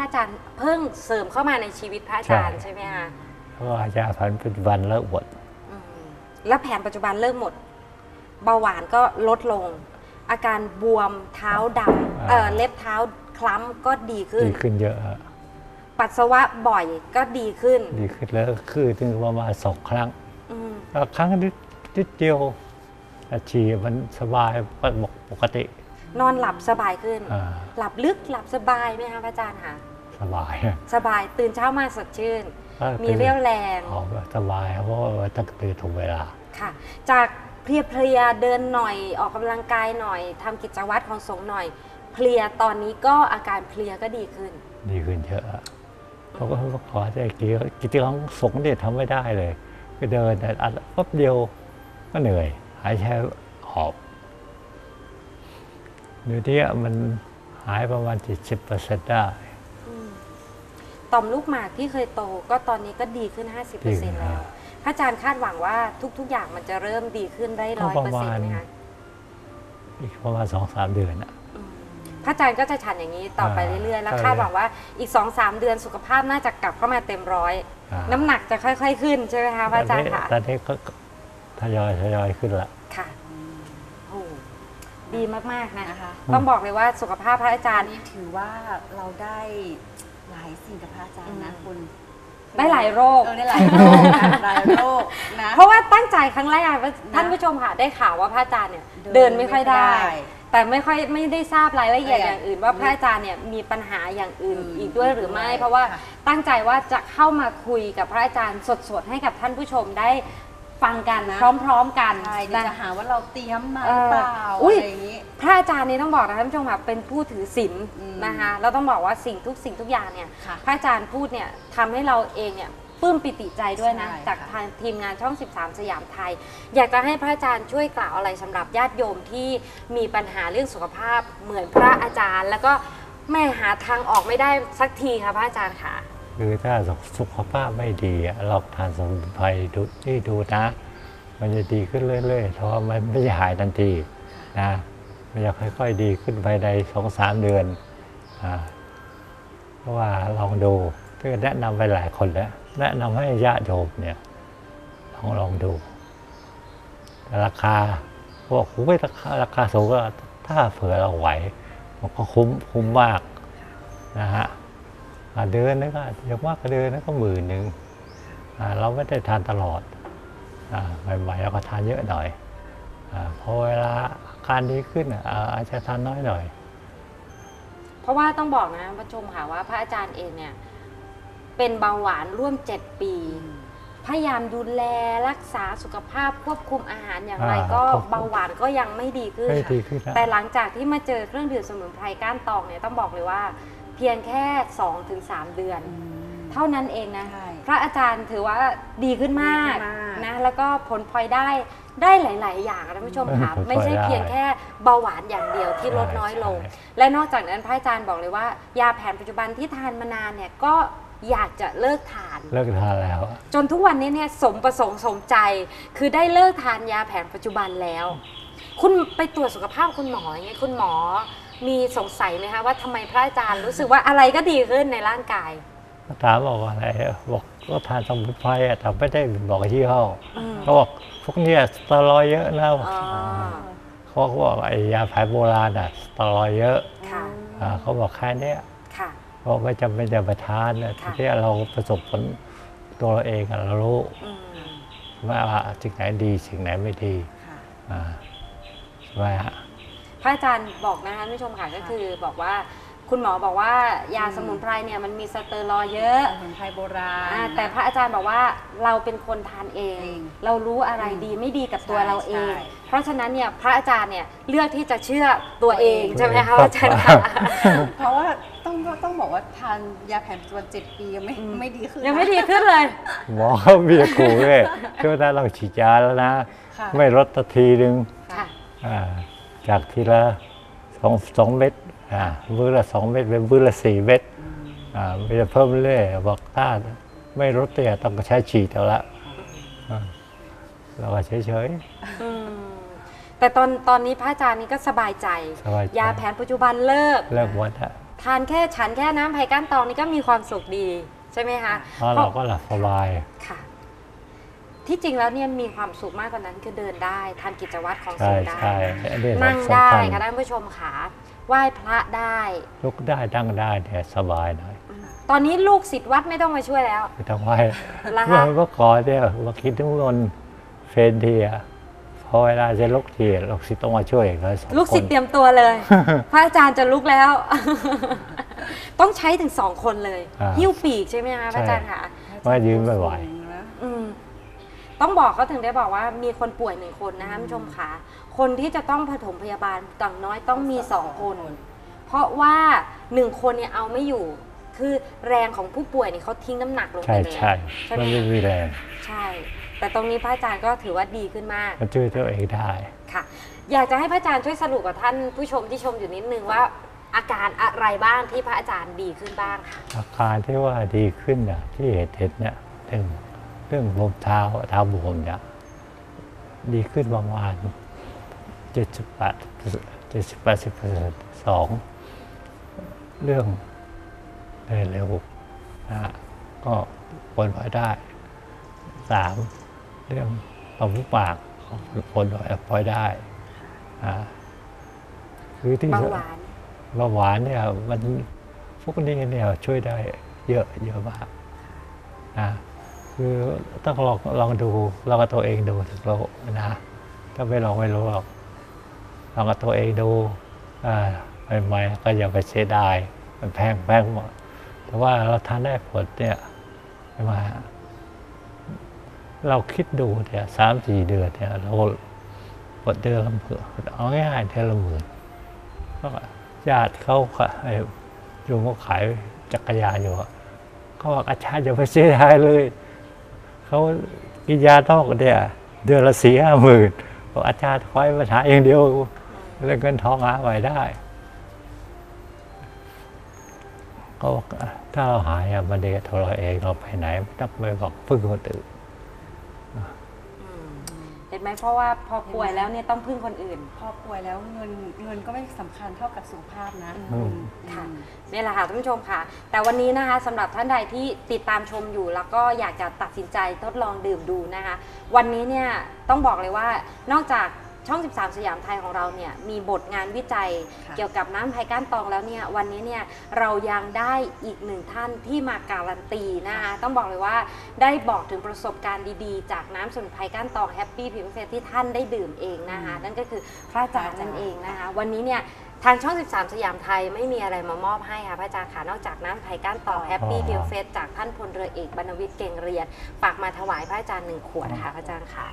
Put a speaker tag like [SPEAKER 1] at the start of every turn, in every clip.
[SPEAKER 1] อาจารย์เพิ่งเสริมเข้ามาในชีวิตพระอาจารย์ใช่ไหมคะ
[SPEAKER 2] เพราะอาจารย์แผนปัจจุบันเลิกหมด
[SPEAKER 1] แล้วแผนปัจจุบันเลิกหมดเบาหวานก็ลดลงอาการบวมเท้าดำเล็บเท้าคล้ำก็ดีขึ้น
[SPEAKER 2] เยอะ
[SPEAKER 1] ปัสสาวะบ่อยก็ดีขึ้น
[SPEAKER 2] แล้วคือถึงประมาณ2 ครั้งครั้งนิดเดียวฉี่มันสบายปกติ
[SPEAKER 1] นอนหลับสบายขึ้นหลับลึกหลับสบายไหมคะพระอาจารย์คะสบายตื่นเช้ามาสดชื่นมีเรี่ยวแรง
[SPEAKER 2] สบายเพราะว่าต้องตื่นถูกเวลา
[SPEAKER 1] ค่ะจากเพลียเดินหน่อยออกกำลังกายหน่อยทำกิจวัตรของสงฆ์หน่อยเพลียตอนนี้ก็อาการเพลียก็ดีขึ้น
[SPEAKER 2] เยอะเพราะว่าขอแต่กิจของสงฆ์เนี่ยทำไม่ได้เลยก็เดินแต่แป๊บเดียวก็เหนื่อยหายใจหอบเดี๋ยวนี้มันหายประมาณ70%ได้
[SPEAKER 1] ต่อมลูกหมากที่เคยโตก็ตอนนี้ก็ดีขึ้น 50% แล้วพระอาจารย์คาดหวังว่าทุกๆอย่างมันจะเริ่มดีขึ้นได้ 100% ไหมคะ
[SPEAKER 2] อีกประมาณ 2-3 เดือนนะ
[SPEAKER 1] พระอาจารย์ก็จะฉันอย่างนี้ต่อไปเรื่อยๆแล้วคาดหวังว่าอีก 2-3 เดือนสุขภาพน่าจะกลับเข้ามาเต็มร้อยน้ำหนักจะค่อยๆขึ้นใช่ไหมคะพระอาจารย์ค่ะ
[SPEAKER 2] ตอนนี้ก็ทยอยขึ้นละ
[SPEAKER 1] ค่ะโอ้ดีมากๆนะคะต้องบอกเลยว่าสุขภาพพระอาจารย์
[SPEAKER 3] นี่ถือว่าเราได้หลายสิ่งกับพระอาจารย์นะคุณ
[SPEAKER 1] ได้หลายโรค
[SPEAKER 3] ได้หลายโรคนะ
[SPEAKER 1] เพราะว่าตั้งใจครั้งแรกท่านผู้ชมค่ะได้ข่าวว่าพระอาจารย์เนี่ยเดินไม่ค่อยได้แต่ไม่ได้ทราบรายละเอียดอย่างอื่นว่าพระอาจารย์เนี่ยมีปัญหาอย่างอื่นอีกด้วยหรือไม่เพราะว่าตั้งใจว่าจะเข้ามาคุยกับพระอาจารย์สดๆให้กับท่านผู้ชมได้ฟังกันพร้อมๆกัน
[SPEAKER 3] จะหาว่าเราเตรียมมาเปล่าอะไรอย่างนี้
[SPEAKER 1] พระอาจารย์นี่ต้องบอกนะท่านผู้ชมค่ะเป็นผู้ถือศีลนะคะแล้วต้องบอกว่าสิ่งทุกอย่างเนี่ยพระอาจารย์พูดเนี่ยทำให้เราเองเนี่ยปลื้มปิติใจด้วยนะจากทางทีมงานช่อง13สยามไทยอยากจะให้พระอาจารย์ช่วยกล่าวอะไรสำหรับญาติโยมที่มีปัญหาเรื่องสุขภาพเหมือนพระอาจารย์แล้วก็ไม่หาทางออกไม่ได้สักทีค่ะพระอาจารย์ค่ะ
[SPEAKER 2] คือถ้าสุขภาพไม่ดีเราทานสมุนไพรดูนะมันจะดีขึ้นเรื่อยๆเพราะมันไม่หายทันทีนะมันจะค่อยๆดีขึ้นภายใน2-3 เดือนเพราะว่าลองดูก็แนะนำไปหลายคนแล้วแนะนำให้ญาติโยมเนี่ยลองดูราคาพวกคุ้มไม่ราคาสูงก็ถ้าเผื่อเราไหวมันก็คุ้มมากนะฮะเดือนนึงก็อย่างมากก็เดือนนึงก็10,000เราไม่ได้ทานตลอดใหม่ๆเราก็ทานเยอะหน่อยพอเวลาการดีขึ้นอาจจะทานน้อยหน่อย
[SPEAKER 1] เพราะว่าต้องบอกนะผู้ชมค่ะว่าพระอาจารย์เองเนี่ยเป็นเบาหวานร่วม7 ปีพยายามดูแลรักษาสุขภาพควบคุมอาหารอย่างไรก็เบาหวานก็ยังไม่ดีขึ้นแต่หลังจากที่มาเจอเครื่องดื่มสมุนไพรก้านตองเนี่ยต้องบอกเลยว่าเพียงแค่ 2-3 เดือนเท่านั้นเองนะพระอาจารย์ถือว่าดีขึ้นมากนะแล้วก็ผลพลอยได้หลายๆอย่างท่านผู้ชมค่ะไม่ใช่เพียงแค่เบาหวานอย่างเดียวที่ลดน้อยลงและนอกจากนั้นพระอาจารย์บอกเลยว่ายาแผนปัจจุบันที่ทานมานานเนี่ยก็อยากจะเลิกทาน
[SPEAKER 2] แล้ว
[SPEAKER 1] จนทุกวันนี้เนี่ยสมประสงค์สมใจคือได้เลิกทานยาแผนปัจจุบันแล้วคุณไปตรวจสุขภาพคุณหมออย่างเงี้ยคุณหมอมีสงสัยไหมคะว่าทำไมพระอาจารย์รู้สึกว่าอะไรก็ดีขึ้นในร่างกาย
[SPEAKER 2] ถามบอกว่าอะไรบอกก็ทานสมุนไพรแต่ไม่ได้บอกยี่ห้อเขาบอกพวกนี้สเตียรอยด์เยอะนะเขาบอกไอ้ยาแผนโบราณสเตียรอยด์เยอะเขาบอกแค่นี้เพราะไม่จำเป็นจะไปทานที่เราประสบผลตัวเราเองเรารู้ว่าสิ่งไหนดีสิ่งไหนไม่ดีใช่ไหมฮะ
[SPEAKER 1] พระอาจารย์บอกนะคะท่านผู้ชมค่ะก็คือบอกว่าคุณหมอบอกว่ายาสมุนไพรเนี่ยมันมีสเตียรอยด์เยอะ
[SPEAKER 3] สมุนไพรโบราณ
[SPEAKER 1] แต่พระอาจารย์บอกว่าเราเป็นคนทานเองเรารู้อะไรดีไม่ดีกับตัวเราเองเพราะฉะนั้นเนี่ยพระอาจารย์เนี่ยเลือกที่จะเชื่อตัวเองใช่ไหมคะอาจารย์คะ
[SPEAKER 3] เพราะว่าต้องบอกว่าทานยาแผนปัจจุบัน7 ปียังไม่ดีขึ้น
[SPEAKER 1] ยังไม่ดีขึ้นเลย
[SPEAKER 2] หมอเขาเบียร์ขู่เลยช่วงนั้นเราฉีดยาแล้วนะไม่ลดทีนึงจากทีละ2 เม็ดมื้อละ2 เม็ดเป็นมื้อละ4 เม็ดมันจะเพิ่มเรื่อยบอกถ้าไม่ลดเนี่ยต้องใช้ฉีดเอาละเราก็เฉย
[SPEAKER 1] แต่ตอนนี้พระอาจารย์นี่ก็สบายใจยาแผนปัจจุบันเลิก
[SPEAKER 2] หมด
[SPEAKER 1] ทานแค่ฉันแค่น้ำไผ่ก้านตองนี่ก็มีความสุขดีใช่ไหมคะ
[SPEAKER 2] เพราะเราก็หลับสบาย
[SPEAKER 1] ค่ะ ที่จริงแล้วเนี่ยมีความสุขมากกว่านั้นคือเดินได้ทำกิจวัตรของ
[SPEAKER 2] ใช่
[SPEAKER 1] สิ่งได้
[SPEAKER 2] ใช่อันนี้
[SPEAKER 1] นั่ง
[SPEAKER 2] สำ
[SPEAKER 1] ได้
[SPEAKER 2] คัญ
[SPEAKER 1] ค่ะท่านผู้ชมค่ะไหว้พระได้
[SPEAKER 2] ลุกได้นั่งได้เนี่ยสบายหน่อย
[SPEAKER 1] ตอนนี้ลูกศิษย์วัดไม่ต้องมาช่วยแล้ว
[SPEAKER 2] ไม่ต้องไหว
[SPEAKER 1] แล้ว
[SPEAKER 2] เมื่
[SPEAKER 1] คะ
[SPEAKER 2] อก่อนเนี่ยมาคิดทุกคนเฟรนทีอะพอเวลาจะลุกทีลูกศิษย์ต้องมาช่วยเลย2 คน
[SPEAKER 1] ลูกศิษย์เตรียมตัวเลย พระอาจารย์จะลุกแล้ว ต้องใช้ถึง2 คนเลย หิ้วปีกใช่ไหมคะพระอาจารย์ค่ะ
[SPEAKER 2] ว่ายืนไม่ไหว
[SPEAKER 1] อืมต้องบอกเขาถึงได้บอกว่ามีคนป่วย1 คนนะคะท่านผู้ชมค่ะคนที่จะต้องผสมพยาบาลต่างน้อยต้องมี2 คน เพราะว่า1 คนเนี่ยเอาไม่อยู่ คือแรงของผู้ป่วยเนี่ยเขาทิ้งน้ำหนักลง
[SPEAKER 2] ใช่
[SPEAKER 1] ไปเลย
[SPEAKER 2] ใช่
[SPEAKER 1] ใช่ไหม
[SPEAKER 2] มันไม่มีแรง
[SPEAKER 1] ใช่ แต่ตรงนี้พระอาจารย์ก็ถือว่าดีขึ้นมาก
[SPEAKER 2] มันช่วยตัวเองได้
[SPEAKER 1] ค่ะ อยากจะให้พระอาจารย์ช่วยสรุปกับท่านผู้ชมที่ชมอยู่นิดนึงว่า อาการอะไรบ้างที่พระอาจารย์ดีขึ้นบ้างค่ะ
[SPEAKER 2] อาการที่ว่าดีขึ้นเนี่ยที่เห็นเนี่ยเรื่องบวมเท้าบวมเนี่ยดีขึ้นประมาณ70-80%. 2 เรื่องเดินเร็วนะก็ผลพลอยได้ 3 เรื่องความมุกปากผลพลอยได้คือที่
[SPEAKER 1] เบาหวาน
[SPEAKER 2] เบาหวานเนี่ยมันพวกนี้เนี่ยช่วยได้เยอะมากนะคือต้องลองดูลองกับตัวเองดูถึงรู้นะถ้าไม่ลองไม่รู้หรอกลองกับตัวเองดูใหม่ๆก็อย่าไปเสียดายมันแพงหมดแต่ว่าเราทานได้ผลเนี่ยใช่ไหมเราคิดดูเนี่ย3-4 เดือนเนี่ยเราหมดเดือนละ10,000เอาง่ายๆเดือนละ10,000ก็ญาติเขาอยู่เขาขายจักรยานอยู่เขาบอกอาจารย์อย่าไปเสียดายเลยเขากินยานอกเนี่ยเดือนละ4-5 หมื่นบอกอาจารย์คอยปัญหาอย่างเดียวเรื่องเงินทองหาไว้ได้ก็ถ้าเราหายมันเด็กตัวเราเองเราไปไหนไม่ต้องไปบอกพึ่งคนอื่น
[SPEAKER 1] เห็นไหมเพราะว่าพอป่วยแล้วเนี่ยต้องพึ่งคนอื่น
[SPEAKER 3] พอป่วยแล้วเงินก็ไม่สำคัญเท่ากับสุขภาพนะ
[SPEAKER 1] ค่ะนี่แหละค่ะท่านผู้ชมค่ะ แต่วันนี้นะคะสำหรับท่านใดที่ติดตามชมอยู่ แล้วก็อยากจะตัดสินใจทดลองดื่มดูนะคะ วันนี้เนี่ยต้องบอกเลยว่านอกจากช่อง 13 สยามไทยของเราเนี่ยมีบทงานวิจัย
[SPEAKER 3] ค่ะ
[SPEAKER 1] เกี่ยวกับน้ำไผ่ก้านตองแล้วเนี่ยวันนี้เนี่ยเรายังได้อีก1 ท่านที่มาการันตีนะคะต้องบอกเลยว่าได้บอกถึงประสบการณ์ดีๆ จากน้ำสมุนไพรก้านตองแฮปปี้พิมเฟสที่ท่านได้ดื่มเองนะคะนั่นก็คือพระอาจารย์นั่นเองนะคะวันนี้เนี่ยทางช่อง 13 สยามไทยไม่มีอะไรมามอบให้ค่ะพระอาจารย์ค่ะนอกจากน้ำไผ่ก้านตองแฮปปี้พิมเฟสจากท่านพลเรือเอกบรรณวิทย์เก่งเรียนฝากมาถวายพระอาจารย์1 ขวดค่ะพระอาจารย์ค่ะ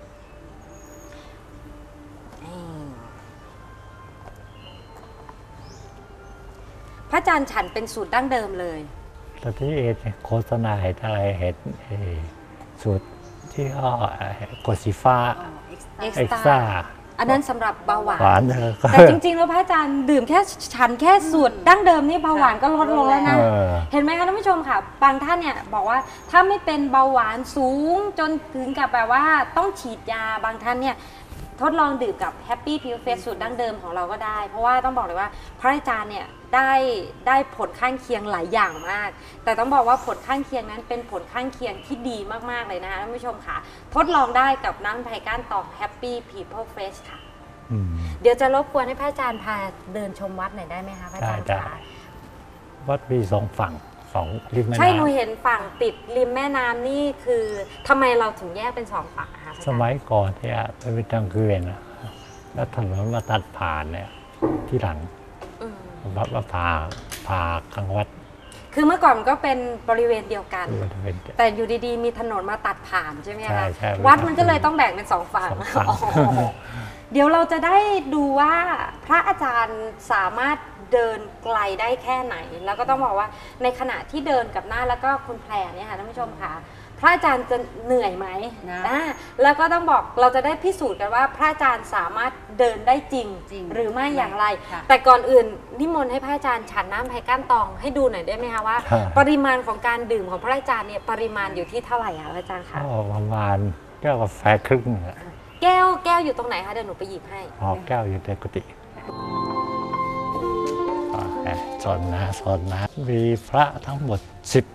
[SPEAKER 1] พระอาจารย์ฉันเป็นสูตรดั้งเดิมเลย
[SPEAKER 2] ตอนที่โฆษณาเห็นอะไรเห็นสูตรที่ห้อกดสีฟ้า
[SPEAKER 1] เอ็ก
[SPEAKER 2] เอ็ก
[SPEAKER 1] ซ์
[SPEAKER 2] ซ่า
[SPEAKER 1] อันนั้นสำหรับเบาหวา
[SPEAKER 2] หวาน
[SPEAKER 1] น แต่จริงๆ แล้วพระอาจารย์ดื่มแค่ฉันแค่สูตรดั้งเดิมนี่เบาหวานก็ลดลงแล้วนะ เห็นไหมคะท่านผู้ชมค่ะ บางท่านเนี่ยบอกว่าถ้าไม่เป็นเบาหวานสูงจนถึงกับแบบว่าต้องฉีดยาบางท่านเนี่ยทดลองดื่มกับ Happy Pill Face สูตรดั้งเดิมของเราก็ได้ เพราะว่าต้องบอกเลยว่าพระอาจารย์เนี่ยได้ผลข้างเคียงหลายอย่างมาก แต่ต้องบอกว่าผลข้างเคียงนั้นเป็นผลข้างเคียงที่ดีมากๆเลยนะคะท่านผู้ชมค่ะทดลองได้กับน้ำไผ่ก้านตอง Happy People Face ค่ะเดี๋ยวจะรบกวนให้พระอาจารย์พาเดินชมวัดหน่อยได้ไหมคะพระอาจารย์
[SPEAKER 2] ได้
[SPEAKER 1] คะ
[SPEAKER 2] วัดมี2 ฝั่ง2 ริมแม่น้ำ
[SPEAKER 1] ใช่หนูเห็นฝั่งติดริมแม่น้ำนี่คือทำไมเราถึงแยกเป็น2 ฝั่งคะพระอาจารย์
[SPEAKER 2] สมัยก่อนเนี่ยเป็นทางเกวียนนะแล้วถนนมาตัดผ่านเนี่ยที่หลัง วัดมาผ่ากลางวัด
[SPEAKER 1] คือเมื่อก่อนมันก็เป็นบริเวณเดียวกัน
[SPEAKER 2] มันเป็น
[SPEAKER 1] แต่อยู่ดีๆ มีถนนมาตัดผ่านใช่ไหม
[SPEAKER 2] ใช่
[SPEAKER 1] คะ
[SPEAKER 2] ใช่
[SPEAKER 1] วัดมันก็เลยต้องแบ่งเป็น2 ฝั่ง
[SPEAKER 2] 2 ฝั่ง
[SPEAKER 1] อ๋อเดี๋ยวเราจะได้ดูว่าพระอาจารย์สามารถเดินไกลได้แค่ไหน แล้วก็ต้องบอกว่าในขณะที่เดินกับหน้าแล้วก็คุณแพรเนี่ยค่ะท่านผู้ชมค่ะพระอาจารย์จะเหนื่อยไหม
[SPEAKER 3] นะ
[SPEAKER 1] แล้วก็ต้องบอกเราจะได้พิสูจน์กันว่าพระอาจารย์สามารถเดินได้จริง หรือไม่อย่างไร
[SPEAKER 3] ค่ะ
[SPEAKER 1] แต่ก่อนอื่นนิมนต์ให้พระอาจารย์ฉันน้ำไผ่ก้านตองให้ดูหน่อยได้ไหมคะว่า ปริมาณของการดื่มของพระอาจารย์เนี่ยปริมาณอยู่ที่เท่าไหร่คะพระอาจารย์คะ
[SPEAKER 2] ก็ประมาณแก้วกาแฟครึ่งอะ
[SPEAKER 1] แก้วอยู่ตรงไหนคะเดี๋ยวหนูไปหยิบให้
[SPEAKER 2] แก้วอยู่ในกุฏิกาแฟสอนนะมีพระทั้งหมด10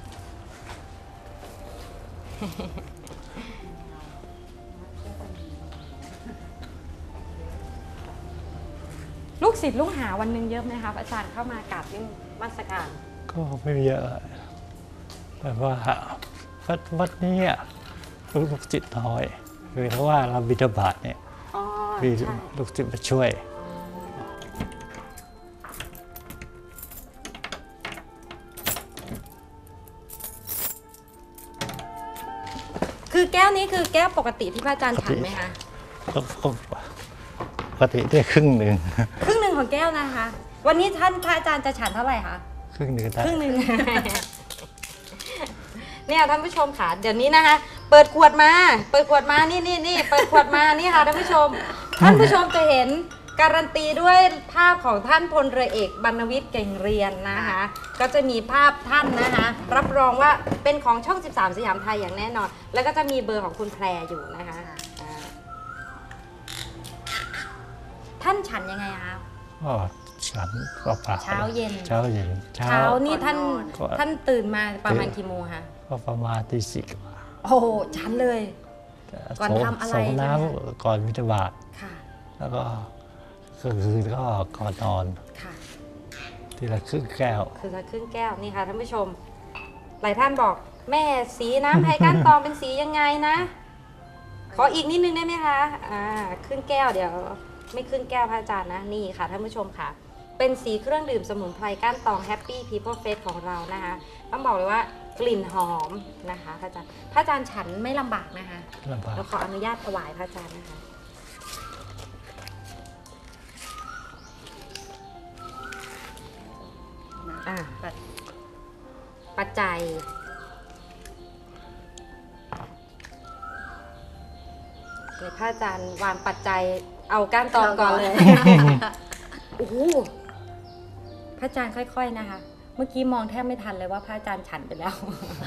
[SPEAKER 1] ลูกศิษย์ลูกหาวันหนึ่งเยอะไหมครับอาจารย์เข้ามากราบนมัสการ
[SPEAKER 2] ก็ไม่เยอะแต่ว่าวัดนี้ลูกศิษย์น้อยคือเพราะว่าเราบิณฑบาตเนี่ย
[SPEAKER 1] อ๋อ
[SPEAKER 2] มี
[SPEAKER 1] ใช่
[SPEAKER 2] ลูกศิษย์มาช่วย
[SPEAKER 1] คือแก้วนี้คือแก้วปกติที่พระอาจารย์ฉันไหมคะ
[SPEAKER 2] ก็ปกติได้ครึ่งหนึ่ง
[SPEAKER 1] ครึ่งหนึ่งของแก้วนะคะ วันนี้ท่านพระอาจารย์จะฉันเท่าไหร่คะ
[SPEAKER 2] ครึ่งหนึ่งได้
[SPEAKER 1] ครึ่งหนึ่ง เนี่ยท่านผู้ชมค่ะเดี๋ยวนี้นะคะ เปิดขวดมานี่เปิดขวดมานี่ค่ะท่านผู้ชมจะเห็นการันตีด้วยภาพของท่านพลเรือเอกบรรณวิทย์เก่งเรียนนะคะ ก็จะมีภาพท่านนะคะ รับรองว่าเป็นของช่อง 13 สยามไทยอย่างแน่นอน แล้วก็จะมีเบอร์ของคุณแพรอยู่นะคะท่านฉันยังไงคะ
[SPEAKER 2] ก็ฉันก็เปล่า
[SPEAKER 1] เช้าเย็น
[SPEAKER 2] เช้าเย็น
[SPEAKER 1] เช้านี่ท่านตื่นมาประมาณกี่โมงคะ
[SPEAKER 2] ก็ประมาณตี 4 กว่า
[SPEAKER 1] โอ้โหฉันเลย ก่อนทำอะไร
[SPEAKER 2] ส่งน้
[SPEAKER 1] ใช่ไหม
[SPEAKER 2] ำก่อนบิณฑบาต
[SPEAKER 1] ค่ะ
[SPEAKER 2] แล้วก็คือก็ก่อนนอน
[SPEAKER 1] ค่ะ
[SPEAKER 2] ทีละครึ่งแก้ว
[SPEAKER 1] คือละครึ่งแก้วนี่ค่ะท่านผู้ชม หลายท่านบอกแม่สีน้ำไผ่ก้านตองเป็นสียังไงนะ ขออีกนิดนึงได้ไหมคะครึ่งแก้วเดี๋ยวไม่ครึ่งแก้วพระอาจารย์นะนี่ค่ะท่านผู้ชมค่ะ เป็นสีเครื่องดื่มสมุนไพรก้านตอง Happy People Face ของเรานะคะต้องบอกเลยว่ากลิ่นหอมนะคะพระอาจารย์ฉันไม่ลำบากนะคะ
[SPEAKER 2] ลำบาก
[SPEAKER 1] เราขออนุญาตถวายพระอาจารย์นะคะปัจจัยเดี๋ยวพระอาจารย์วางปัจจัยเอาก้านตองก่อนเลย โอ้โหพระอาจารย์ค่อยๆนะคะ เมื่อกี้มองแทบไม่ทันเลยว่าพระอาจารย์ฉันไปแล้ว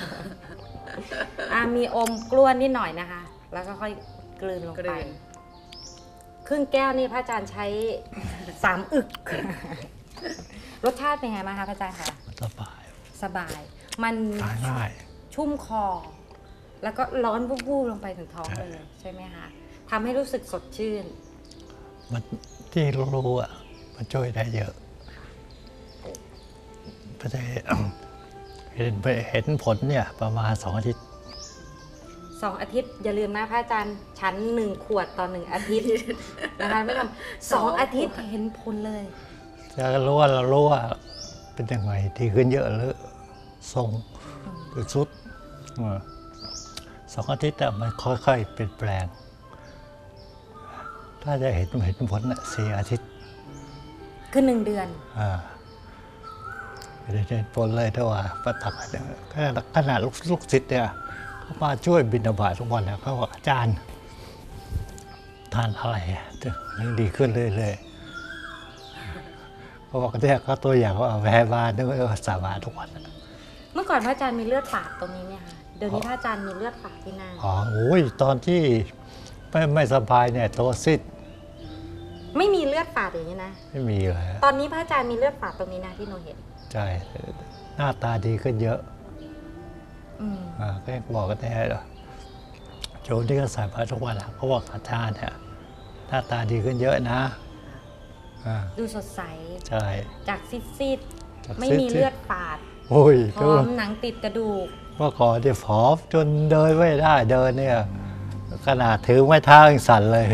[SPEAKER 1] มีอมกล้วนนิดหน่อยนะคะ แล้วก็ค่อยกลืนลงไป ครึ่งแก้วนี่พระอาจารย์ใช้ 3 อึก รสชาติเป็นไงบ้างคะพระอาจารย์คะ
[SPEAKER 2] สบาย
[SPEAKER 1] สบาย มัน
[SPEAKER 2] ทานง่าย
[SPEAKER 1] ชุ่มคอ แล้วก็ร้อนวูบๆลงไปถึงท้องเลยใช่ไหมคะทำให้รู้สึกสดชื่น
[SPEAKER 2] มันที่รู้อ่ะมันช่วยได้เยอะพระเจ้าเห็นผลเนี่ยประมาณ2 อาทิตย์
[SPEAKER 1] 2 อาทิตย์อย่าลืมนะพระอาจารย์ชั้น1 ขวดต่อ 1 อาทิตย์ นะคะไม่ทำ2 อาทิตย์เห็นผลเลย
[SPEAKER 2] จะรู้ว่าเป็นยังไงดีขึ้นเยอะเลยทรงหรือสุด2 อาทิตย์มันค่อยๆเปลี่ยนแปลง ถ้าจะเห็นผล4 อาทิตย์
[SPEAKER 1] คือ1 เดือน
[SPEAKER 2] ไม่ได้เห็นผลเลยถ้าว่าประตักขนาดลูกศิษย์เนี่ยเขามาช่วยบิณฑบาตทุกวันเนี่ยเขาบอกอาจารย์ทานอะไรยังดีขึ้นเรื่อยๆเขาบอกเนี่ยเขาตัวอย่างว่าแพ้บ้านด้วยสาบานทุกวัน
[SPEAKER 1] เมื่อก่อนพระอาจารย์มีเลือดฝาดตรงนี้ไหมคะเดี๋ยวนี้พระอาจารย์มีเลือดฝาดที่หน้า
[SPEAKER 2] โอ้ยตอนที่ไม่สบายเนี่ยตัวซีด
[SPEAKER 1] ไม่มีเลือดฝาดอย่างนี้นะ
[SPEAKER 2] ไม่มีเลย
[SPEAKER 1] ตอนนี้พระอาจารย์มีเลือดฝาดตรงนี้นะที่หนูเห็น
[SPEAKER 2] ใช่หน้าตาดีขึ้นเยอะ ก็บอกกันได้โจมที่ก็ใส่ผ้าทุกวันเขาบอกอาจารย์เนี่ยหน้าตาดีขึ้นเยอะนะ
[SPEAKER 1] ดูสดใส
[SPEAKER 2] ใช่
[SPEAKER 1] จากซีดๆไม่มีเลือดฝาด
[SPEAKER 2] โอ้ย
[SPEAKER 1] พร้อมหนังติดกระดูก
[SPEAKER 2] เมื่อก่อนเนี่ยผอมจนเดินไม่ได้เดินเนี่ยขนาดถือไม้เท้ายังสั่นเลย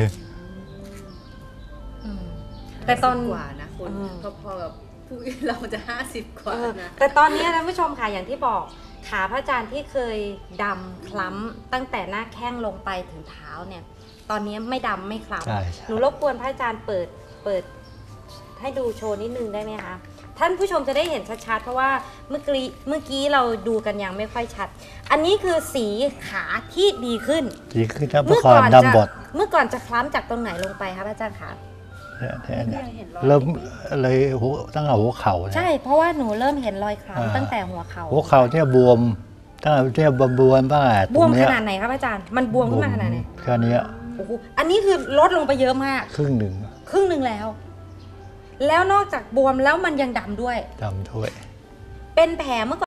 [SPEAKER 1] แต่ตอน
[SPEAKER 3] กว่านะคุณพอๆกับผู้เราจะ50 กว่านะ
[SPEAKER 1] แต่ตอนนี้ท่านผู้ชมค่ะอย่างที่บอกขาพระอาจารย์ที่เคยดำคล้ำตั้งแต่หน้าแข้งลงไปถึงเท้าเนี่ย ตอนนี้ไม่ดำไม่คล้
[SPEAKER 2] ใช่
[SPEAKER 1] ำหนูรบกวนพระอาจารย์เปิดให้ดูโชว์นิดนึงได้ไหมคะท่านผู้ชมจะได้เห็นชัดๆเพราะว่าเมื่อกี้เราดูกันยังไม่ค่อยชัด อันนี้คือสีขาที่ดีขึ้น
[SPEAKER 2] ดีขึ้นนะเมื่อก่อนดำบด
[SPEAKER 1] เมื่อก่อนจะคล้ำจากตรงไหนลงไปคะพระอาจารย์คะ
[SPEAKER 2] เริ่มเลยตั้งแต่หัวเข่า
[SPEAKER 1] ใช่เพราะว่าหนูเริ่มเห็นรอยคล้ำตั้งแต่หัวเข่า
[SPEAKER 2] หัวเข่าเนี่ยบวมตั้งแต่เนี่ยบวมบ้าง
[SPEAKER 1] บวมขนาดไหนครับอาจารย์มันบวมขึ้นมาขนาดไหน
[SPEAKER 2] แค่นี้
[SPEAKER 1] โอ้โหอันนี้คือลดลงไปเยอะมาก
[SPEAKER 2] ครึ่งหนึ่ง
[SPEAKER 1] ครึ่งหนึ่งแล้วแล้วนอกจากบวมแล้วมันยังดำด้วย
[SPEAKER 2] จำถ้วย
[SPEAKER 1] เป็นแผลเมื่อก่อน